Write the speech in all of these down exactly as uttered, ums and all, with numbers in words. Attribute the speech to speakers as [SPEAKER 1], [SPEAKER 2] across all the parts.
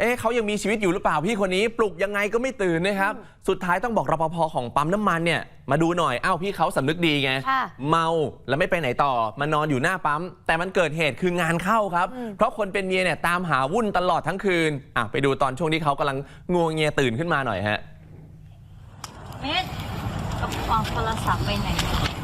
[SPEAKER 1] อ๊ะเขายังมีชีวิตอยู่หรือเปล่าพี่คนนี้ปลุกยังไงก็ไม่ตื่นนะครับสุดท้ายต้องบอกรปภของปั๊มน้ำมันเนี่ยมาดูหน่อยอ้าวพี่เขาสำนึกดีไงเมาแล้วไม่ไปไหนต่อมานอนอยู่หน้าปั๊มแต่มันเกิดเหตุคืองานเข้าครับเพราะคนเป็นเมียเนี่ยตามหาวุ่นตลอดทั้งคืนอ่ะไปดูตอนช่วงที่เขากำลังงวงเงียตื่นขึ้นมาหน่อยฮะ
[SPEAKER 2] เม็ดกับความโทรศัพท์ไปไหน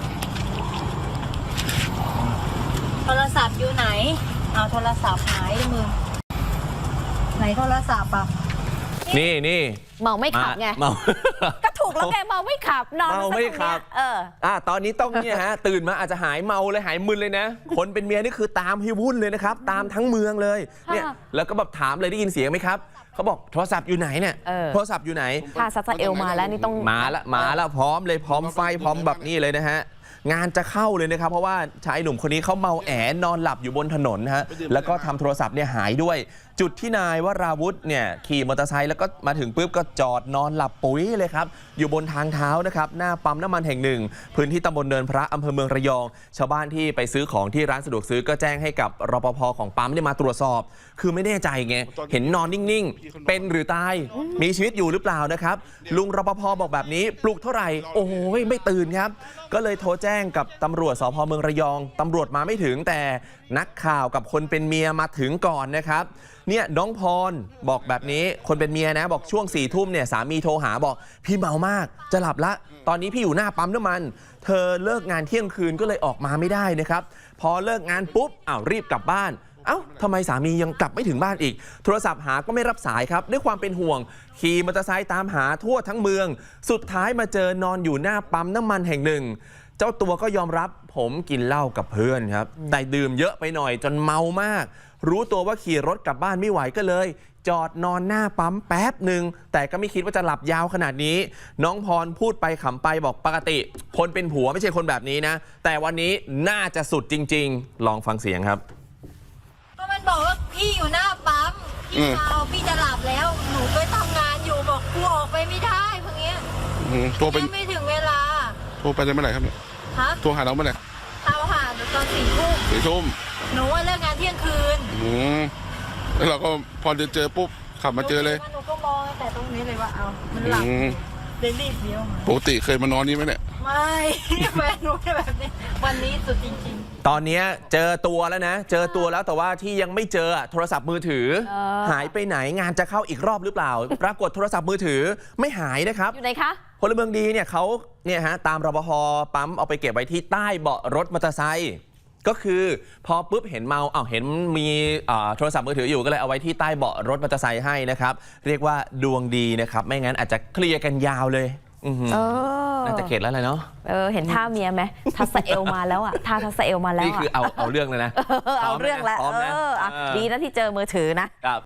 [SPEAKER 2] โทรศัพท์อยู่ไหนเอาโทรศัพท์หายมือไหนโทรศัพท์อ่ะ
[SPEAKER 1] นี่นี่
[SPEAKER 3] เมาไม่ขับไง
[SPEAKER 1] เมา
[SPEAKER 3] ก็ถูกแล้วไงเมาไม่ขับนอน
[SPEAKER 1] เมาไม่ขับ
[SPEAKER 3] เออ
[SPEAKER 1] อ่าตอนนี้ต้องเนี่ยฮะตื่นมาอาจจะหายเมาเลยหายมึนเลยนะคนเป็นเมียนี่คือตามให้วุ่นเลยนะครับตามทั้งเมืองเลยเนี่ยแล้วก็แบบถามเลยได้ยินเสียงไหมครับเขาบอกโทรศัพท์อยู่ไหนเนี่ยโทรศัพท์อยู่ไหน
[SPEAKER 3] พาซาซาเอลมาแล้วนี่ต้อง
[SPEAKER 1] มาละมาละพร้อมเลยพร้อมไฟพร้อมแบบนี้เลยนะฮะงานจะเข้าเลยนะครับเพราะว่าชายหนุ่มคนนี้เขาเมาแอนอนหลับอยู่บนถนนฮะแล้วก็ทำโทรศัพท์เนี่ยหายด้วยจุดที่นายวราวุธเนี่ยขี่มอเตอร์ไซค์แล้วก็มาถึงปุ๊บก็จอดนอนหลับปุ๋ยเลยครับอยู่บนทางเท้านะครับหน้าปั๊มน้ำมันแห่งหนึ่งพื้นที่ตำบลเนินพระอำเภอเมืองระยองชาวบ้านที่ไปซื้อของที่ร้านสะดวกซื้อก็แจ้งให้กับรปภของปั๊มเนี่ยมาตรวจสอบคือไม่แน่ใจไงเห็นนอนนิ่งๆเป็นหรือตายมีชีวิตอยู่หรือเปล่านะครับลุงรปภบอกแบบนี้ปลุกเท่าไหร่โอ้ยไม่ตื่นครับก็เลยโทรแจ้งกับตำรวจสภ.เมืองระยองตำรวจมาไม่ถึงแต่นักข่าวกับคนเป็นเมียมาถึงก่อนนะครับเนี่ยน้องพรบอกแบบนี้คนเป็นเมียนะบอกช่วงสี่ทุ่มเนี่ยสามีโทรหาบอกพี่เมามากจะหลับละตอนนี้พี่อยู่หน้าปั๊มน้ำมันเธอเลิกงานเที่ยงคืนก็เลยออกมาไม่ได้นะครับพอเลิกงานปุ๊บอ้าวรีบกลับบ้านเอ้าทำไมสามียังกลับไม่ถึงบ้านอีกโทรศัพท์หาก็ไม่รับสายครับด้วยความเป็นห่วงขี่มอเตอร์ไซค์ตามหาทั่วทั้งเมืองสุดท้ายมาเจอนอนอยู่หน้าปั๊มน้ำมันแห่งหนึ่งเจ้าตัวก็ยอมรับผมกินเหล้ากับเพื่อนครับแต่ดื่มเยอะไปหน่อยจนเมามากรู้ตัวว่าขี่รถกลับบ้านไม่ไหวก็เลยจอดนอนหน้าปั๊มแป๊บหนึ่งแต่ก็ไม่คิดว่าจะหลับยาวขนาดนี้น้องพรพูดไปขำไปบอกปกติคนเป็นผัวไม่ใช่คนแบบนี้นะแต่วันนี้น่าจะสุดจริงๆลองฟังเสียงครับ
[SPEAKER 2] ก็มันบอกว่าพี่อยู่หน้าปั๊มพี่เมาพี่จะหลับแล้วหนูไปทำงานอยู่บอกกูออกไปไม่ได้พวกเนี้ยโทรไปไม่ถึงเวลา
[SPEAKER 4] โทรไปได้เมื่อไหร่ครับเนี่ยโทรหาเราเมื่อไหร่
[SPEAKER 2] โทรหาตอนสี่ทุ่ม
[SPEAKER 4] สี่ทุ่ม
[SPEAKER 2] หนูว่าเลิกงานเที่ยงคืน
[SPEAKER 4] อืมแล้วเราก็พอจะเจอปุ๊บขับมาเจอเลย
[SPEAKER 2] หนูก็มองแต่ตรงนี้เลยว่าเอามันหลับเลยรีบเลี้ยว
[SPEAKER 4] ปกติเคยมานอนนี่ไหมเนี่ย
[SPEAKER 2] ไม่แฟนหนูแบบนี้วันนี้สุดจริง
[SPEAKER 1] ๆตอนนี้เจอตัวแล้วนะเจอตัวแล้วแต่ว่าที่ยังไม่เจอโทรศัพท์มือถือหายไปไหนงานจะเข้าอีกรอบหรือเปล่าปรากฏโทรศัพท์มือถือไม่หายนะครับ
[SPEAKER 3] อยู่ไหนคะ
[SPEAKER 1] พลเมืองดีเนี่ยเขาเนี่ยฮะตามรปภปั๊มเอาไปเก็บไว้ที่ใต้เบาะรถมอเตอร์ไซค์ก็คือพอปุ๊บเห็นเมาอ้าวเห็นมีโทรศัพท์มือถืออยู่ก็เลยเอาไว้ที่ใต้เบาะรถมอเตอร์ไซค์ให้นะครับเรียกว่าดวงดีนะครับไม่งั้นอาจจะเคลียร์กันยาวเลยน่าจะเข็ดแล้วเลยเนาะ
[SPEAKER 3] เออเห็นท่าเมียไหมทัสเอลมาแล้วอ่ะท่าทัสเอลมาแล้ว
[SPEAKER 1] นี่คือเอาเอาเรื่องเลยนะ
[SPEAKER 3] เอาเรื่องแล้วเออดีนะที่เจอมือถือนะครับ